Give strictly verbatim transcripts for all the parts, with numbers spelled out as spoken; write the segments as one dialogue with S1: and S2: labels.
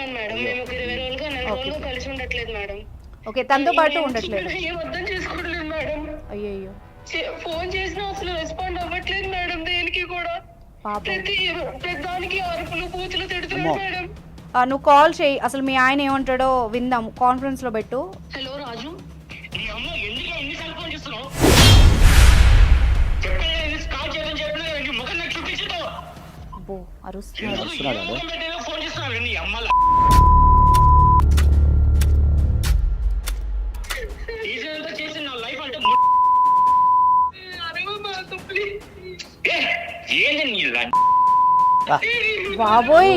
S1: ఉంటున్నాను మేడం. మేము ఒక ఇరవై రోజులుగా నెల రోజులుగా కలిసి ఉండట్లేదు మేడం.
S2: ఓకే, తనతో పాటు ఉండట్లేదు.
S1: ఏం అర్థం చేసుకోవట్లేదు మేడం.
S2: అయ్యయ్యో,
S1: ఫోన్ చేసినా అసలు రెస్పాండ్ అవ్వట్లేదు మేడం. దేనికి కూడా ప్రతి ప్రతి దానికి అరుపులు పూతులు తిడుతున్నాడు మేడం.
S2: నువ్వు కాల్ చేయి, అసలు మీ ఆయన ఏమంటాడో విందాం. కాన్ఫరెన్స్ లో పెట్టు.
S1: హలో రాజు,
S2: అరుస్తున్నాడు. బాబోయ్,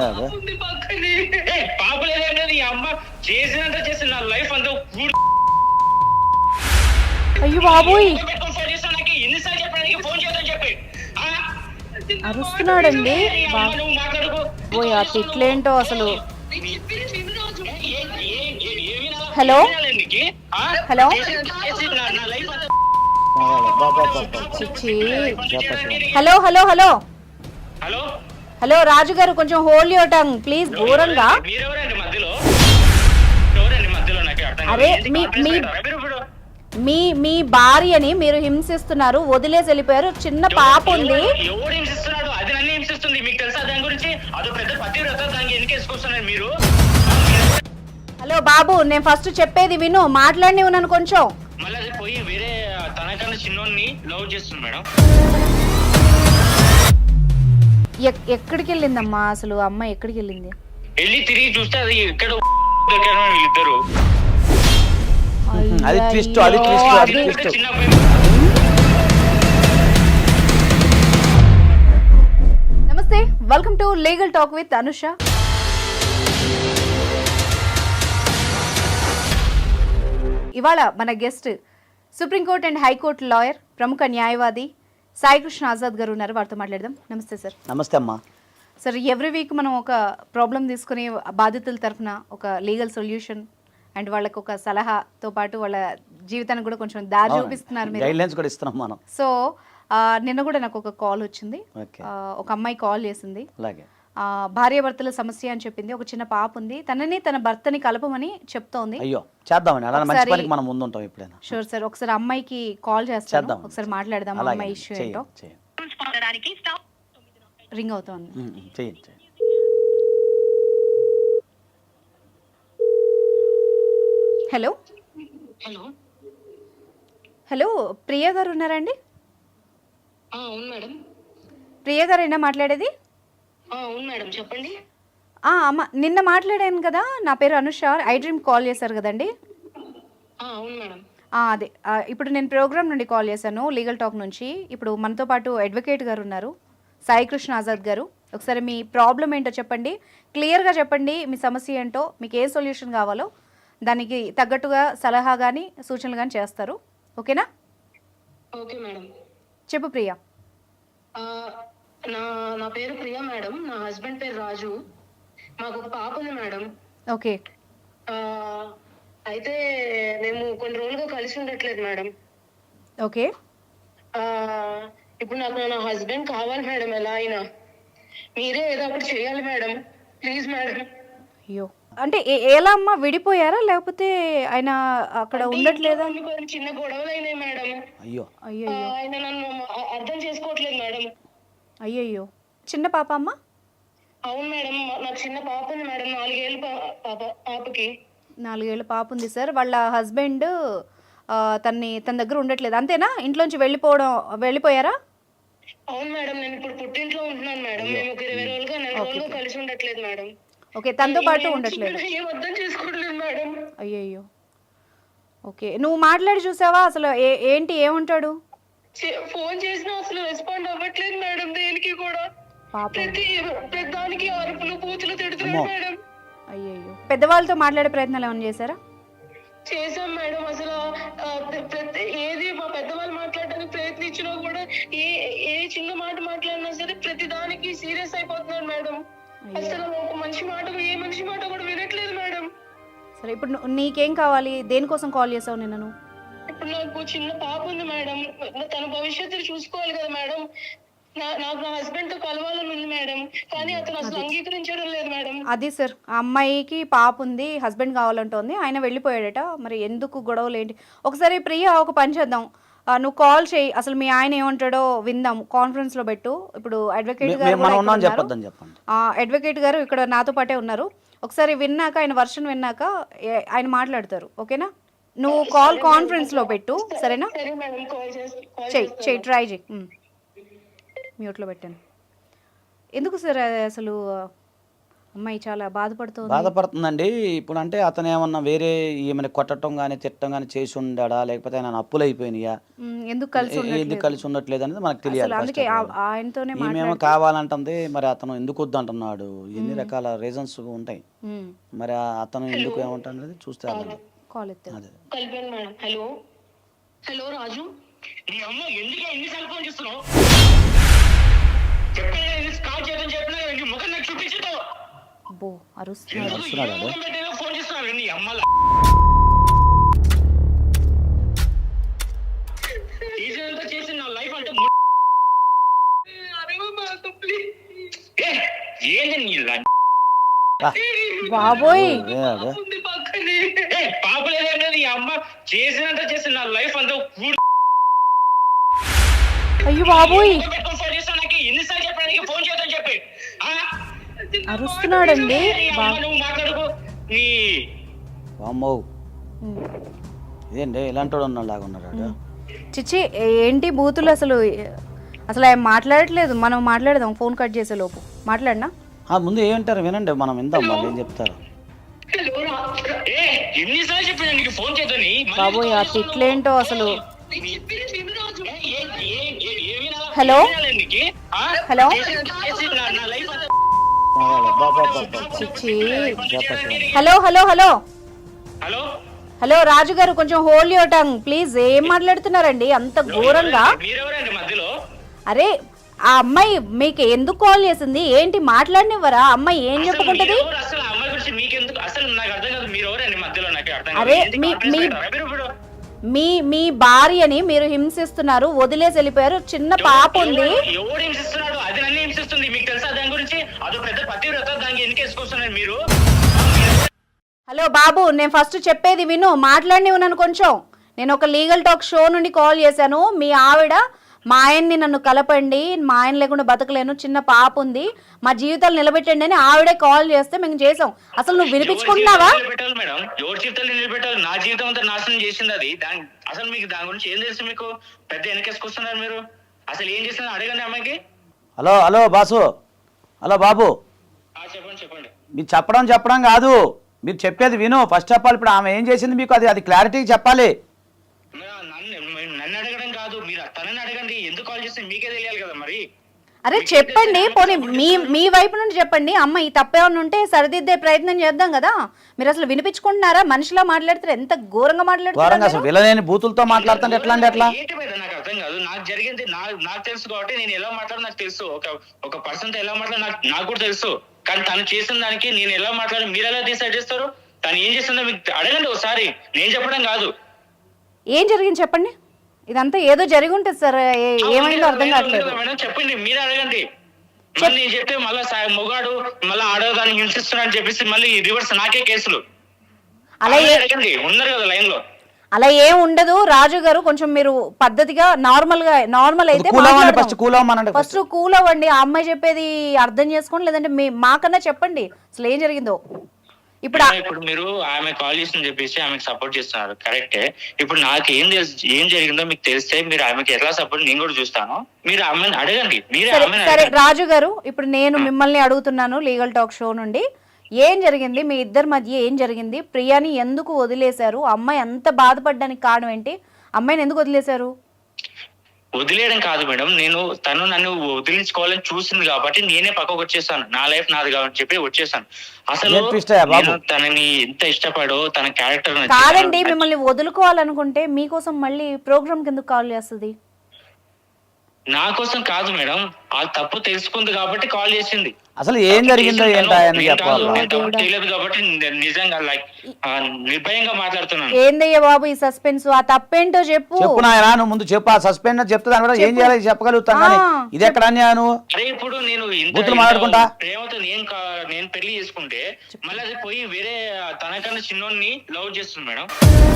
S1: పాపలేదండి అమ్మ చేసినంత చేసి నా లైఫ్ అంతా.
S2: అయ్యో బాబోయ్,
S1: ఎన్నిసార్లు చెప్పడానికి ఫోన్ చేద్దాం చెప్పి
S2: అరుస్తున్నాడండి. ఓయ్, ఆ తిట్లేంటో అసలు. Hello hello hello hello hello
S1: hello
S2: hello Raju గారు, కొంచెం హోల్డ్ యువర్ టంగ్ ప్లీజ్. దూరంగా. అరే మీ మీ మీ మీ భార్యని మీరు హింసిస్తున్నారు, వదిలేసి వెళ్ళిపోయారు. చిన్న పాప ఉంది.
S1: అది నన్ను హింసిస్తుంది, మీకు తెలుసా దాని గురించి? అదో పెద్ద పతివ్రత, దానికి ఎందుకు వేసుకొస్తున్నారు మీరు?
S2: హలో బాబు, నేను ఫస్ట్ చెప్పేది విను, మాట్లాడి ఉన్నాను కొంచెం.
S1: మళ్ళీ అది పోయి వేరే తనకన్నా చిన్నోన్ని లవ్ చేస్తుంది మేడం.
S2: ఎక్కడికి వెళ్ళిందమ్మా అసలు? అమ్మ ఎక్కడికి వెళ్ళింది?
S1: వెళ్ళి తిరిగి చూస్తే అది ఎక్కడ వీళ్ళిద్దరు.
S3: అది ట్విస్ట్, అది ట్విస్ట్, అది ట్విస్ట్.
S1: చిన్న
S2: నమస్తే, welcome to legal talk with Anusha. ఇవాళ మన guest supreme court and high court lawyer, ప్రముఖ న్యాయవాది సాయికృష్ణ ఆజాద్ గారు ఉన్నారు. వారితో మాట్లాడదాం. నమస్తే సార్.
S3: నమస్తే అమ్మా.
S2: సార్, ఎవ్రీ వీక్ మనం ఒక ప్రాబ్లం తీసుకుని బాధితుల తరఫున ఒక లీగల్ సొల్యూషన్ అండ్ వాళ్ళకి ఒక సలహాతో పాటు వాళ్ళ జీవితానికి కూడా కొంచెం దారి చూపిస్తున్నారు మీరు.
S3: గైడ్లైన్స్ కూడా ఇస్తున్నాం మనం.
S2: సో నిన్న కూడా నాకు ఒక కాల్ వచ్చింది. ఒక అమ్మాయి కాల్ చేసింది.
S3: అలాగే
S2: భార్యాభర్తల సమస్య అని చెప్పింది. ఒక చిన్న పాప ఉంది, తనని తన భర్తని కలపమని చెప్తోంది.
S3: అయ్యో, చేద్దామని అలా మంచి పనికి మనం ముందు ఉంటాం ఎప్పుడైనా.
S2: షూర్ సార్, ఒకసారి అమ్మాయికి కాల్ చేస్తాను, ఒకసారి మాట్లాడదాం. అమ్మాయి ఇష్యూ ఏంటో. రింగ్ అవుతోంది.
S3: చేయండి.
S2: హలో
S1: హలో
S2: హలో ప్రియా గారు ఉన్నారండి?
S1: అవును మేడం.
S2: ప్రియా గారేనా మాట్లాడేది?
S1: అవును మేడం, చెప్పండి.
S2: అమ్మ, నిన్న మాట్లాడాను కదా, నా పేరు అనుష. ఐ డ్రీమ్ కాల్ చేశారు కదండి?
S1: అవును మేడం.
S2: అదే, ఇప్పుడు నేను ప్రోగ్రామ్ నుండి కాల్ చేశాను, లీగల్ టాక్ నుంచి. ఇప్పుడు మనతో పాటు అడ్వకేట్ గారు ఉన్నారు, సాయికృష్ణ ఆజాద్ గారు. ఒకసారి మీ ప్రాబ్లం ఏంటో చెప్పండి, క్లియర్గా చెప్పండి. మీ సమస్య ఏంటో, మీకు ఏ సొల్యూషన్ కావాలో దానికి తగ్గట్టుగా సలహా కానీ సూచనలు కానీ చేస్తారు. ఓకేనా?
S1: Okay madam.
S2: చెప్పు ప్రియా.
S1: నా నా పేరు ప్రియా మేడం. నా హస్బెండ్ పేరు రాజు. మాకు ఒక పాప ఉంది మేడం.
S2: ఓకే.
S1: అయితే మేము కొన్ని రోజులుగా కలిసి ఉండట్లేదు మేడం.
S2: ఓకే.
S1: ఇప్పుడు నాకు నా హస్బెండ్ కావాలి మేడం, ఎలా అయినా మీరే ఏదో ఒకటి చేయాలి మేడం, ప్లీజ్ మేడం.
S2: అయ్యో, అంటే ఎలా అమ్మా, విడిపోయారా లేకపోతే ఆయన అక్కడ ఉండట్లేదా?
S1: చిన్న గొడవలు అయినాయి మేడం.
S3: అయ్యో
S2: అయ్యో,
S1: ఆయన నన్ను అర్థం చేసుకోవట్లేదు మేడం.
S2: అయ్యయ్యో, చిన్న పాప అమ్మా?
S1: అవును మేడం, నాకు చిన్న పాప ఉంది మేడం, నాలుగేళ్ళు పాప. పాపకి
S2: నాలుగేళ్ళ పాప ఉంది సార్. వాళ్ళ హస్బెండ్ తన్ని తన దగ్గర ఉండట్లేదు, అంతేనా? ఇంట్లోంచి వెళ్ళిపోవడం వెళ్ళిపోయారా?
S1: అవును మేడం, నేను ఇప్పుడు పుట్టింట్లో ఉంటున్నాను మేడం. మేము ఒక ఇరవై రోజులుగా నెల రోజులుగా కలిసి ఉండట్లేదు మేడం.
S2: ఓకే, తనతో పాటు ఉండట్లేదు.
S1: ఏం అర్థం చేసుకోవట్లేదు మేడం.
S2: అయ్యయ్యో, ఓకే. నువ్వు మాట్లాడి చూసావా అసలు? ఏంటి, ఏమంటాడు?
S1: ఫోన్ చేసినా అసలు రెస్పాండ్ అవ్వట్లేదు మేడం, దేనికి కూడా ప్రతి ప్రతి దానికి అరుపులు పూతులు తిడుతున్నాడు మేడం.
S2: అయ్యయ్యో, పెద్దవాళ్ళతో మాట్లాడే ప్రయత్నాలు ఏమైనా చేశారా?
S1: చేసాం మేడం. అసలు ప్రతి ఏది మా పెద్దవాళ్ళు మాట్లాడడానికి ప్రయత్నించినా కూడా ఏ ఏ చిన్న మాట మాట్లాడినా సరే ప్రతి దానికి సీరియస్ అయిపోతున్నారు మేడం. అసలు ఒక మనిషి మాట, ఏ మనిషి మాట కూడా వినట్లేదు మేడం.
S2: సరే, ఇప్పుడు నీకేం కావాలి? దేనికోసం కాల్ చేసావు నిన్న నువ్వు?
S1: ఇప్పుడు నాకు చిన్న పాప ఉంది మేడం, తన భవిష్యత్తును చూసుకోవాలి కదా మేడం. నా- నాకు నా హస్బెండ్ తో కలవాలని ఉంది మేడం, కానీ అతను అసలు అంగీకరించడం లేదు మేడం.
S2: అది సార్, ఆ అమ్మాయికి పాప ఉంది, హస్బెండ్ కావాలంటోంది, ఆయన వెళ్ళిపోయాడట. మరి ఎందుకు గొడవలు ఏంటి? ఒకసారి ప్రియా ఒక పని చేద్దాం, ఆ, నువ్వు కాల్ చేయి, అసలు మీ ఆయన ఏమంటాడో విందాం, కాన్ఫరెన్స్ లో పెట్టు. ఇప్పుడు అడ్వకేట్
S3: మే-
S2: గారు
S3: మేము
S2: కూడా
S3: మనం
S2: ఇక్కడ
S3: ఉన్నాం
S2: ఉన్నారు.
S3: చెప్పొద్దని చెప్పండి.
S2: ఆ, అడ్వకేట్ గారు ఇక్కడ నాతో పాటే ఉన్నారు. ఒకసారి విన్నాక, ఆయన వర్షన్ విన్నాక ఏ- ఆయన మాట్లాడతారు, ఓకేనా? నువ్వు కాల్ కాన్ఫరెన్స్ లో పెట్టు, సరేనా?
S1: సరే మేడం, కాల్ చేసి కాల్
S2: చెయ్యి
S1: చేస్తాను.
S2: చెయ్యి ట్రై చెయ్యి. మ్యూట్లో పెట్టాను. ఎందుకు సార్ అది అసలు అమ్మాయి చాలా బాధపడుతుంది.
S3: బాధపడుతుందండి. ఇప్పుడు అంటే అతను ఏమన్నా వేరే ఏమైనా కొట్టడం కానీ తిట్టడం కానీ చేసి ఉండాడా, లేకపోతే ఆయన అప్పులు అయిపోయినాయా,
S2: ఉమ్, ఎందుకు కలిసి
S3: ఏ- ఎందుకు
S2: ఉండట్లేదు?
S3: కలిసి ఉండట్లేదు అనేది మనకు తెలియాలి.
S2: అసలు అందుకే
S3: first
S2: ఆ-
S3: of all.
S2: ఆయనతోనే
S3: ఈమెమో
S2: మాట్లాడి
S3: కావాలంటుంది, మరి అతను ఎందుకు వద్దు అంటున్నాడు, ఎన్ని రకాల రీజన్స్ ఉంటాయి.
S2: ఉమ్,
S3: మరి ఆ అతను ఎందుకు ఏమంటాడు అనేది చూస్తే అర్థం.
S2: కాల్ ఎత్తారు.
S3: అదే
S1: కలిపాను మేడం. హలో హలో రాజు, నీ అమ్మ ఎందుకు ఎన్నిసార్లు ఫోన్ చేస్తున్నావు? చెప్పాను కాల్ చేయడం చెప్పినా నీ ముఖం నాకు చూపించదు.
S2: బో అరుస్తున్నాడు.
S3: వస్తున్నాడు అదే.
S1: ఫోన్ చేస్తున్నావు నీ అమ్మ చేసి నా లైఫ్ అంటే ఏంది నీ
S2: బాబోయ్,
S3: అదే అదే
S1: పాప లేదంటే ఈ అమ్మ చేసినంత చేసి నా లైఫ్ అంతా
S2: అయ్యో బాబోయ్,
S1: ఫోన్ చేస్తా నాకు ఎన్నిసార్లు చెప్పడానికి ఫోన్ చేద్దాం చెప్పి
S2: అరుస్తున్నాడండి. బా-
S1: నువ్వు మాట్లాడుకో నీ
S3: వామ్మో
S2: ఉమ్.
S3: ఇదేంటి ఇలాంటి వాడు ఉన్నాడు లాగా ఉన్నాడు వాడు.
S2: చిచ్చి ఏంటి బూతులు అసలు? అసలు ఆయన మాట్లాడట్లేదు. మనం మాట్లాడదాం ఫోన్ కట్ చేసే లోపు. మాట్లాడినా
S3: ఆ, ముందు ఏమంటారు వినండి, మనం విందాం వాళ్ళు ఏం చెప్తారు.
S1: ఎన్నిసార్లు చెప్పిన నీకు ఫోన్ చేద్దని
S2: బాబోయ్, ఆ తిట్లేంటో అసలు. హలో హలో
S3: బా, బా, బా, బా.
S2: చిచ్చి.
S3: చెప్పండి.
S2: Hello hello hello
S1: hello
S2: hello Raju గారు, కొంచెం హోల్డ్ యువర్ టంగ్ ప్లీజ్. ఏం మాట్లాడుతున్నారండి అంత ఘోరంగా?
S1: మీరెవరండి మధ్యలో?
S2: అరే, ఆ అమ్మాయి మీకు ఎందుకు కాల్ చేసింది? ఏంటి మాట్లాడినివ్వరా? అమ్మాయి ఏం చెప్పుకుంటది?
S1: మీరెవరు? అసలు ఆ అమ్మాయి గురించి మీకెందుకు? అసలు నాకు అర్థం కాదు, మీరు ఎవరండి మధ్యలో? నాకు అర్థం
S2: అరే,
S1: కాదు. ఏంటి
S2: మీ-
S1: కాన్ఫరెన్స్
S2: మీ-
S1: పెట్టారా మీరు ఇప్పుడు?
S2: మీ మీ భార్యని మీరు హింసిస్తున్నారు, వదిలేసి వెళ్ళిపోయారు. చిన్న పాప ఉంది.
S1: ఎవరు- ఎవరు హింసిస్తున్నాడు? అది నన్ను హింసిస్తుంది. మీకు తెలుసా దాని గురించి? అదో పెద్ద పతివ్రత, దానికి ఎందుకు వేసుకొస్తున్నారు మీరు?
S2: హలో బాబు, నేను ఫస్ట్ చెప్పేది విను, మాట్లాడినివ్వు నన్ను కొంచెం. నేను ఒక లీగల్ టాక్ షో నుండి కాల్ చేశాను. మీ ఆవిడ మా ఆయన్ని నన్ను కలపండి, మా ఆయన లేకుండా బతకలేను, చిన్న పాప ఉంది, మా జీవితాలు నిలబెట్టండి అని ఆవిడే కాల్ చేస్తే మేము చేసాం. అసలు నువ్వు వినిపించుకుంటున్నావా?
S1: ఎవరి జీవితాలు నిలబెట్టాలి మేడం? ఎవరి జీవితాలు నిలబెట్టాలి? నా జీవితం అంతా నాశనం చేసింది అది. దాని అసలు మీకు దాని గురించి ఏం తెలుసు? మీకు పెద్ద వెనకేసుకొస్తున్నారు మీరు. అసలు ఏం చేస్తున్నారు అడగండి అమ్మాయికి.
S3: హలో హలో బాసు, హలో బాబు,
S1: ఆ, చెప్పండి చెప్పండి.
S3: మీరు చెప్పడం చెప్పడం కాదు, మీరు చెప్పేది విను. ఫస్ట్ ఆఫ్ ఆల్ ఇప్పుడు ఆమె ఏం చేసింది మీకు అది అది క్లారిటీ చెప్పాలి.
S1: మే- నన్ను నన్ను అడగడం కాదు, మీరు తనని అడగండి. ఎందుకు కాల్ చేస్తే మీకే తెలియాలి కదా మరి.
S2: అరే చెప్పండి, పోనీ మీ మీ వైపు నుండి చెప్పండి. అమ్మ ఈ తప్పేమన్నా ఉంటే సరిదిద్దే ప్రయత్నం చేద్దాం కదా. మీరు అసలు వినిపించుకుంటున్నారా? మనిషిలా మాట్లాడుతారు, ఎంత ఘోరంగా
S3: ఘోరంగా
S2: మాట్లాడుతున్నారు.
S3: అసలు విలనేని బూతులతో మాట్లాడుతుంటే ఎట్లా అంటే ఎట్లా?
S1: ఏంటి మీద నాకు అర్థం కాదు. నాకు జరిగింది నా నాకు తెలుసు కాబట్టి నేను ఎలా మాట్లాడో నాకు తెలుసు. ఒక ఒక పర్సన్ తో ఎలా మాట్లాడో నాకు నాకు కూడా తెలుసు. కానీ తను చేసిన దానికి నేను ఎలా మాట్లాడి మీరు ఎలా డిసైడ్ చేస్తారు? తను ఏం చేస్తుందో మీకు అడగండి ఒకసారి. నేను చెప్పడం కాదు.
S2: ఏం జరిగింది చెప్పండి. ఇదంతా ఏదో జరిగి ఉంటుంది సార్, ఏ- ఏమైందో అర్థం కావట్లేదు.
S1: మేడం చెప్పండి, మీరు అడగండి. మళ్ళీ నేను చెప్తే మళ్ళీ మొగాడు మళ్ళీ ఆడదాన్ని హింసిస్తున్నా అని చెప్పేసి మళ్ళీ రివర్స్ నాకే కేసులు.
S2: అలా ఏ
S1: అడగండి, ఉన్నారు కదా లైన్ లో.
S2: అలా ఏం ఉండదు రాజు గారు. కొంచెం మీరు పద్ధతిగా నార్మల్ గా నార్మల్ అయితే
S3: కూల్ అవ్వండి, ఫస్ట్ కూల్ అవ్వమనండి.
S2: ఫస్ట్ కూల్ అవ్వండి. ఆ అమ్మాయి చెప్పేది అర్థం చేసుకోండి, లేదంటే మీ మాకన్నా చెప్పండి అసలు ఏం జరిగిందో. ఇప్పుడు ఆ-
S1: ఇప్పుడు మీరు ఆమె కాల్ చేసిందని చెప్పేసి ఆమెకు సపోర్ట్ చేస్తున్నారు, కరెక్టే. ఇప్పుడు నాకు ఏం తెలుసు, ఏం జరిగిందో మీకు తెలిస్తే మీరు ఆమెకి ఎట్లా సపోర్ట్ నేను కూడా చూస్తాను. మీరు ఆమెను అడగండి, మీరే
S2: సరే
S1: ఆమెను
S2: సరే
S1: అడగండి.
S2: రాజు గారు, ఇప్పుడు నేను మిమ్మల్ని అడుగుతున్నాను లీగల్ టాక్ షో నుండి, ఏం జరిగింది మీ ఇద్దరి మధ్య? ఏం జరిగింది? ప్రియాని ఎందుకు వదిలేశారు? అమ్మాయి అంత బాధపడడానికి కారణం ఏంటి? అమ్మాయిని ఎందుకు వదిలేశారు?
S1: వదిలేయడం కాదు మేడం, నేను తను నన్ను వదిలించుకోవాలని చూసింది కాబట్టి నేనే పక్కకు వచ్చేసాను. నా లైఫ్ నాది కాబట్టి చెప్పి వచ్చేసాను. అసలు
S3: ఏం twist అయ్యా బాబు?
S1: నేను తనని ఎంత ఇష్టపడో, తన క్యారెక్టర్
S2: కాదండి, మిమ్మల్ని వదులుకోవాలనుకుంటే మీకోసం మళ్ళీ ప్రోగ్రామ్ కింద కాల్ చేస్తుంది.
S4: నా కోసం కాదు మేడం, ఆ తప్పు తెలుసుకుంది కాబట్టి కాల్ చేసింది.
S3: అసలు ఏం జరిగిందో ఏంటో ఆయన
S4: నేను కాదు,
S3: చెప్పాలా?
S4: నేను తప్పు చేయలేదు కాబట్టి ని- నిజంగా లైక్ నిర్భయంగా మాట్లాడుతున్నాను.
S2: ఏందయ్యా బాబు ఈ సస్పెన్స్? ఆ తప్పేంటో చెప్పు.
S3: చెప్పు నాయనా, నువ్వు ముందు చెప్పు. ఆ సస్పెండ్ చెప్తే దాని కూడా ఏం చేయాలి చెప్పగలుగుతాం కానీ
S2: ఆ,
S3: ఇది ఎక్కడ అన్యాయం?
S4: అరే ఇప్పుడు నేను ఇంత
S3: బూతులు
S4: ఇంత
S3: మాట్లాడుకుంటా?
S4: ప్రేమతో నేను కా- నేను పెళ్లి చేసుకుంటే మళ్ళీ అది పోయి వేరే తనకన్నా చిన్నోన్ని లవ్ చేస్తుంది మేడం.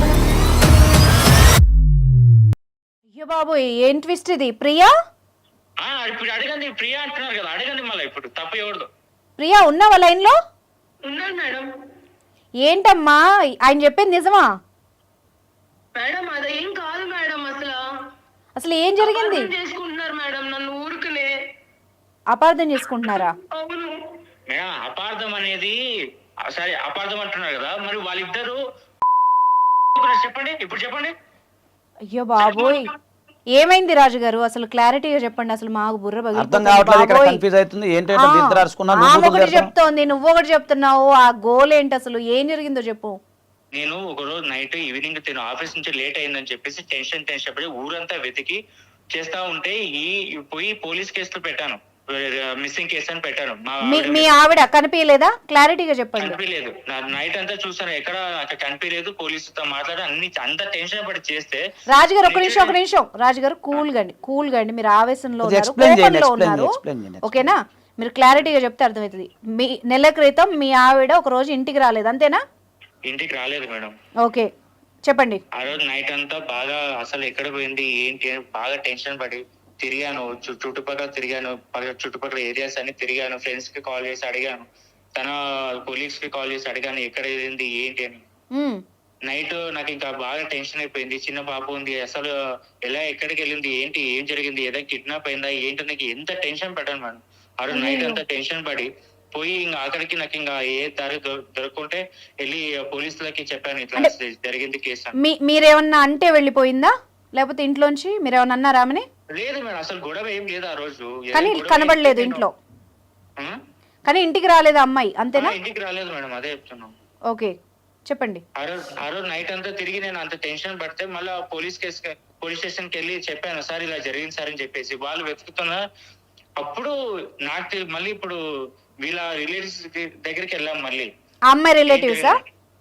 S2: అయ్యో బాబు ఏం ట్విస్ట్ ఇది? ప్రియా
S4: ఆ, ఇప్పుడు అడగండి, ప్రియా అంటున్నారు కదా, అడగండి మళ్ళీ ఇప్పుడు తప్పు ఎవరిదో.
S2: ప్రియా ఉన్నావా లైన్ లో?
S1: ఉన్నాను మేడం.
S2: ఏంటమ్మా ఆయన చెప్పింది నిజమా?
S1: మేడం అదేం కాదు మేడం, అసలు
S2: అసలు ఏం జరిగింది?
S1: అపార్థం చేసుకుంటున్నారు మేడం నన్ను ఊరుకునే.
S2: అపార్థం చేసుకుంటున్నారా?
S1: అవును
S4: మేడం అపార్థం అనేది ఆ, సరే అపార్థం అంటున్నారు కదా, మరి వాళ్ళిద్దరు చెప్పండి ఇప్పుడు చెప్పండి.
S2: అయ్యో బాబోయ్ ఏమైంది రాజు గారు? అసలు క్లారిటీగా చెప్పండి. అసలు మాకు బుర్ర
S3: అర్థం
S2: పగిలిపోతుంది
S3: కావట్లేదు, ఇక్కడ
S2: బాబోయ్.
S3: కన్ఫ్యూజ్ అవుతుంది. ఏంటంటే
S2: ఆ,
S3: ఇద్దరు అరుచుకున్నారు,
S2: ఆమె
S3: నువ్వు
S2: ఒకటి
S3: బూతులు
S2: చెప్తోంది, నువ్వు ఒకటి చెప్తున్నావు. ఆ గోల్ ఏంటి అసలు? ఏం జరిగిందో చెప్పు.
S4: నేను ఒక రోజు నైట్ ఈవినింగ్ తిను ఆఫీస్ నుంచి లేట్ అయిందని చెప్పేసి టెన్షన్ టెన్షన్ పడి ఊరంతా వెతికి చేస్తా ఉంటే ఈ పోయి పోలీస్ కేసులు పెట్టాను, మిస్సింగ్ కేసు అని పెట్టాను. మా
S2: మీ
S4: ఆవిడ
S2: మీ ఆవిడ కనిపించలేదా? క్లారిటీగా చెప్పండి.
S4: కనిపించలేదు. నైట్ అంతా చూసాను, ఎక్కడ అక్కడ కనిపించలేదు. పోలీసుతో మాట్లాడి అన్ని అంత టెన్షన్ పడి చేస్తే
S2: రాజుగారు ఒక నిమిషం ఒక నిమిషం రాజుగారు కూల్ గండి కూల్ గండి మీరు ఆవేశంలో
S3: కొద్దిగా
S2: ఉన్నారు,
S3: explain చేయండి,
S2: కోపంలో
S3: explain
S2: ఉన్నారు.
S3: చేయండి, explain చేయండి.
S2: ఓకేనా? మీరు క్లారిటీగా చెప్తే అర్థమవుతుంది. మీ నెల క్రితం మీ ఆవిడ ఒక రోజు ఇంటికి రాలేదు అంతేనా?
S4: ఇంటికి రాలేదు మేడం.
S2: ఓకే చెప్పండి.
S4: ఆ రోజు నైట్ అంతా బాగా అసలు ఎక్కడ పోయింది ఏంటి అని బాగా టెన్షన్ పడి తిరిగాను, చు- చుట్టుపక్కల తిరిగాను, పక్క- చుట్టుపక్కల ఏరియాస్ అన్ని తిరిగాను, ఫ్రెండ్స్ కి కాల్ చేసి అడిగాను, తన కొలీగ్స్ కి కాల్ చేసి అడిగాను ఎక్కడ ఏంది ఏంటి అని.
S2: ఉమ్,
S4: నైట్ నాకు ఇంకా బాగా టెన్షన్ అయిపోయింది. చిన్న పాప ఉంది, అసలు ఎలా ఎక్కడికి వెళ్ళింది ఏంటి ఏం జరిగింది, ఏదైనా కిడ్నాప్ అయిందా ఏంటి, నాకు ఎంత టెన్షన్ పడ్డాను మేడం. ఆ రోజు నైట్ అంతా టెన్షన్ పడి పోయి ఇంకా అక్కడికి నాకు ఇంకా ఏ దారి దొ- దొరకకుంటే వెళ్ళి పోలీసులకి చెప్పాను ఇట్లా జరిగింది కేసు అని.
S2: మీ మీరేమన్నా అంటే వెళ్ళిపోయిందా లేకపోతే ఇంట్లోంచి మీరేమన్నా అన్నారా ఆమెని?
S4: లేదు మేడం, అసలు గొడవ ఏం లేదు ఆ రోజు. ఏ
S2: కానీ
S4: గొడవ
S2: కనబడలేదు
S4: ఏం
S2: ఇంట్లో,
S4: ఆ?
S2: కానీ ఇంటికి రాలేదు అమ్మాయి అంతేనా?
S4: ఆ, ఇంటికి రాలేదు మేడం, అదే చెప్తున్నాం.
S2: ఓకే చెప్పండి.
S4: ఆ రోజు ఆ రోజు నైట్ అంతా తిరిగి నేను అంత టెన్షన్ పడితే మళ్ళీ పోలీస్ కేసు పోలీస్ స్టేషన్ కి వెళ్ళి చెప్పాను, సార్ ఇలా జరిగింది సార్ అని చెప్పేసి. వాళ్ళు వెతుకుతున్నా అప్పుడు నాకు తెలి- మళ్ళీ ఇప్పుడు వీళ్ళ రిలేటివ్స్ దగ్గరికి వెళ్ళాం మళ్ళీ.
S2: ఆ అమ్మాయి రిలేటివ్సా?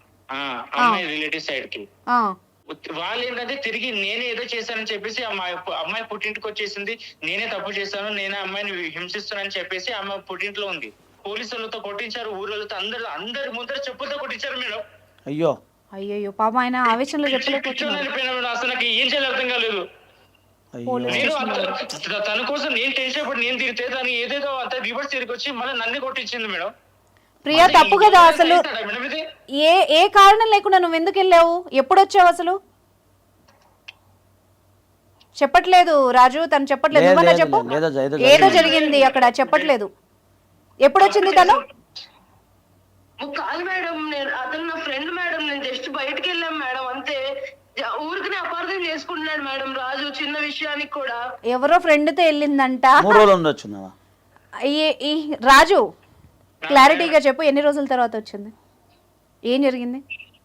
S4: ఆ అమ్మాయి రిలేటివ్ సైడ్ కి.
S2: ఆ,
S4: వాళ్ళు ఏంటంటే తిరిగి నేనే ఏదో చేశానని చెప్పేసి అమ్మాయి అమ్మాయి పుట్టింటికి వచ్చేసింది, నేనే తప్పు చేశాను, నేనే అమ్మాయిని హింసిస్తున్నానని చెప్పేసి అమ్మాయి పుట్టింట్లో ఉంది. పోలీసులతో కొట్టించారు, ఊళ్ళతో అందరు అందరి ముందర చెప్పులతో కొట్టించారు మేడం.
S3: అయ్యో
S2: అయ్యయ్యో పాప ఆయన ఆవేశంలో చెప్పలేకపోతున్నారు.
S4: చెప్పలేకపోయినా అసలు నాకు ఏం చేయాలి అర్థం కాలేదు.
S3: అయ్యో
S4: నేను అంత- తన కోసం నేను టెన్షన్ పడి నేను తిరిగితే తను ఏదేదో అంత రివర్స్ తిరిగి వచ్చి మళ్ళీ నన్ను కొట్టించింది మేడం.
S2: ప్రియా తప్పు కదా అసలు.
S4: చేస్తాడా మేడం ఇది?
S2: ఏ ఏ కారణం లేకుండా నువ్వు ఎందుకు వెళ్ళావు? ఎప్పుడు వచ్చావు అసలు? చెప్పట్లేదు రాజు, తను చెప్పట్లేదు.
S3: లేదు,
S2: నువ్వన్నా
S3: లేదు,
S2: చెప్పు.
S3: లేదు, ఏదో
S2: ఏదో
S3: జరిగింది.
S2: జరిగింది అక్కడ, చెప్పట్లేదు. ఎప్పుడు వచ్చింది తను?
S1: ఓ కాదు మేడం, నేను అతను నా ఫ్రెండ్ మేడం, నేను జస్ట్ బయటకు వెళ్ళాం మేడం అంతే. జ- ఊరికనే అపార్థం చేసుకుంటున్నాడు మేడం రాజు, చిన్న విషయానికి కూడా.
S2: ఎవరో ఫ్రెండ్ తో వెళ్ళిందంట.
S3: మూడు రోజులు ఉండొచ్చు నావా?
S2: ఈ- ఈ రాజు క్లారిటీగా చెప్పు, ఎన్ని రోజుల తర్వాత వచ్చింది? ఏం జరిగింది?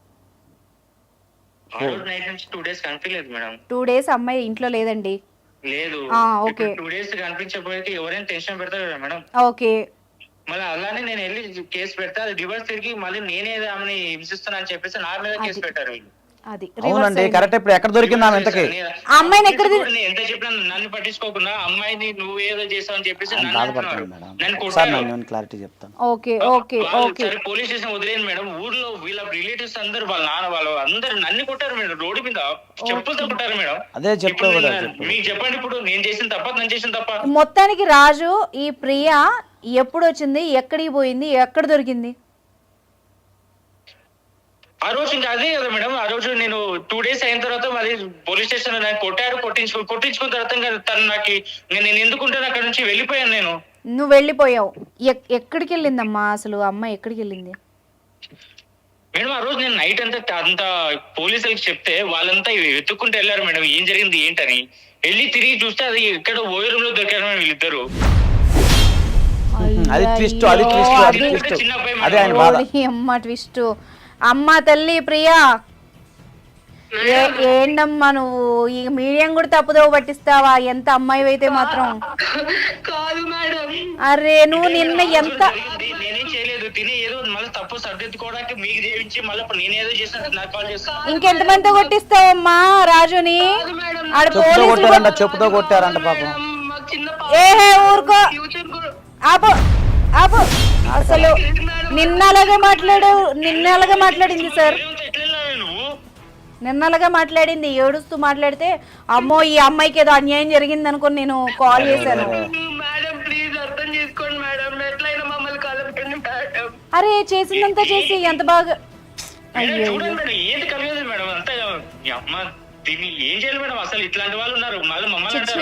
S4: ఆ రోజు నైట్ నుంచి టూ డేస్ కనిపించలేదు మేడం.
S2: టూ డేస్ అమ్మాయి ఇంట్లో లేదండి.
S4: లేదు,
S2: ఆ, ఓకే.
S4: టూ డేస్ కనిపించకపోతే ఎవరైనా టెన్షన్ పెడతారు కదా మేడం.
S2: ఓకే
S4: మళ్ళీ అలానే నేను వెళ్ళి కేసు పెడితే అది రివర్స్ తిరిగి మళ్ళీ నేనే ఆమెని హింసిస్తున్నా అని చెప్పేసి నా మీద కేసు పెట్టారు వీళ్ళు.
S2: అది
S3: అవునండి కరెక్ట్. ఇప్పుడు ఎక్కడ దొరికింది ఆమె ఎంతకి?
S2: ఆ అమ్మాయిని ఎక్కడ ది-
S4: నేను ఎంత చెప్పినా నన్ను పట్టించుకోకుండా అమ్మాయిని నువ్వు ఏదో చేసావు అని చెప్పేసి
S3: ఆయన
S4: నన్ను
S3: బాధపడతాను
S4: అంటున్నారు.
S3: మేడం.
S4: నన్ను
S3: ఒకసారి
S4: కొట్టారు.
S3: నేను క్లారిటీ చెప్తాను.
S2: ఓకే ఓకే
S4: వాళ్ళు
S2: ఓకే
S4: సరే పోలీస్ స్టేషన్ వదిలేను మేడం, ఊర్లో వీళ్ళ రిలేటివ్స్ అందరు వాళ్ళ నాన్న వాళ్ళు అందరు నన్ను కొట్టారు మేడం, రోడ్డు మీద చెప్పులతో కొట్టారు మేడం.
S3: అదే చెప్తా
S4: ఇప్పుడు
S3: కూడా
S4: నేను-
S3: చెప్పు.
S4: మీకు చెప్పండి ఇప్పుడు నేను చేసిన తప్ప నన్ను చేసిన తప్ప.
S2: మొత్తానికి రాజు ఈ ప్రియా ఎప్పుడు వచ్చింది, ఎక్కడికి పోయింది, ఎక్కడ దొరికింది?
S4: ఆ రోజు ఇంకా అదే కదా మేడం, ఆ రోజు నేను టూ డేస్ అయిన తర్వాత మరి పోలీస్ స్టేషన్ లో నాకు కొట్టారు, కొట్టించుకో కొట్టించుకున్న తర్వాత ఇంకా తను నాకు నేను నేను ఎందుకుంటాను అక్కడ నుంచి వెళ్ళిపోయాను నేను.
S2: నువ్వు వెళ్ళిపోయావు. ఎక్- ఎక్కడికి వెళ్ళిందమ్మా అసలు అమ్మాయి? ఎక్కడికి వెళ్ళింది?
S4: మేడం ఆ రోజు నేను నైట్ అంతా అంత పోలీసులకు చెప్తే వాళ్ళంతా వెతుక్కుంటూ వెళ్ళారు మేడం ఏం జరిగింది ఏంటని. వెళ్ళి తిరిగి చూస్తే అది ఇక్కడ ఓయో రూమ్ లో దొరికారు మేడం వీళ్ళిద్దరు.
S3: అది ట్విస్ట్, అది
S2: అయ్యో,
S3: ట్విస్ట్, అది
S2: అది-
S3: ట్విస్ట్.
S4: చిన్న అబ్బాయి
S3: అదే ఆయన బాధ.
S2: ఓడి అమ్మ ట్విస్ట్. అమ్మ తల్లి ప్రియా ఏ ఏంటమ్మా నువ్వు ఈ మీడియం కూడా తప్పుదో పట్టిస్తావా? ఎంత అమ్మాయి అయితే మాత్రం.
S1: కాదు మేడం.
S2: అరే నువ్వు నిన్న ఎంత
S4: జరిగింది, నేనేం చేయలేదు. తిని ఏదో మళ్ళీ తప్పు సర్దిద్దుకోవడానికి మీకు చేయించి మళ్ళీ ఇప్పుడు నేనేదో చేసిన నాకు కాల్ చేస్తాను.
S2: ఇంకెంత మందితో కొట్టిస్తావమ్మా రాజుని?
S1: కాదు మేడం.
S2: ఆడ
S3: చెప్పుతో
S2: పోలీసులు
S3: కొట్టారంట, చెప్పుతో కొట్టారంట పాపం.
S1: మాకు చిన్న
S2: ఏహే ఊరుకో,
S1: ఫ్యూచర్ కూడా
S2: ఆపు ఆపు. అసలు నిన్నలాగా మాట్లాడు, నిన్నలాగా మాట్లాడింది సార్,
S4: ఎట్లా వెళ్ళాలి నువ్వు?
S2: నిన్నలాగా మాట్లాడింది. ఏడుస్తూ మాట్లాడితే అమ్మో ఈ అమ్మాయికి ఏదో అన్యాయం జరిగింది అనుకుని నేను కాల్ చేశాను.
S1: మేడం ప్లీజ్ అర్థం చేసుకోండి మేడం, ఎట్లయినా మమ్మల్ని కలపండి మేడం.
S2: అరే చేసిందంతా చేసి ఎంత బాగా.
S4: మేడం,
S2: అయ్యో
S4: చూడండి మేడం, ఏది కలిగేది మేడం అంతా. మీ అమ్మ దీన్ని ఏం చేయాలి మేడం? అసలు ఇట్లాంటి వాళ్ళు ఉన్నారు, మళ్ళీ మమ్మల్ని అంటారు.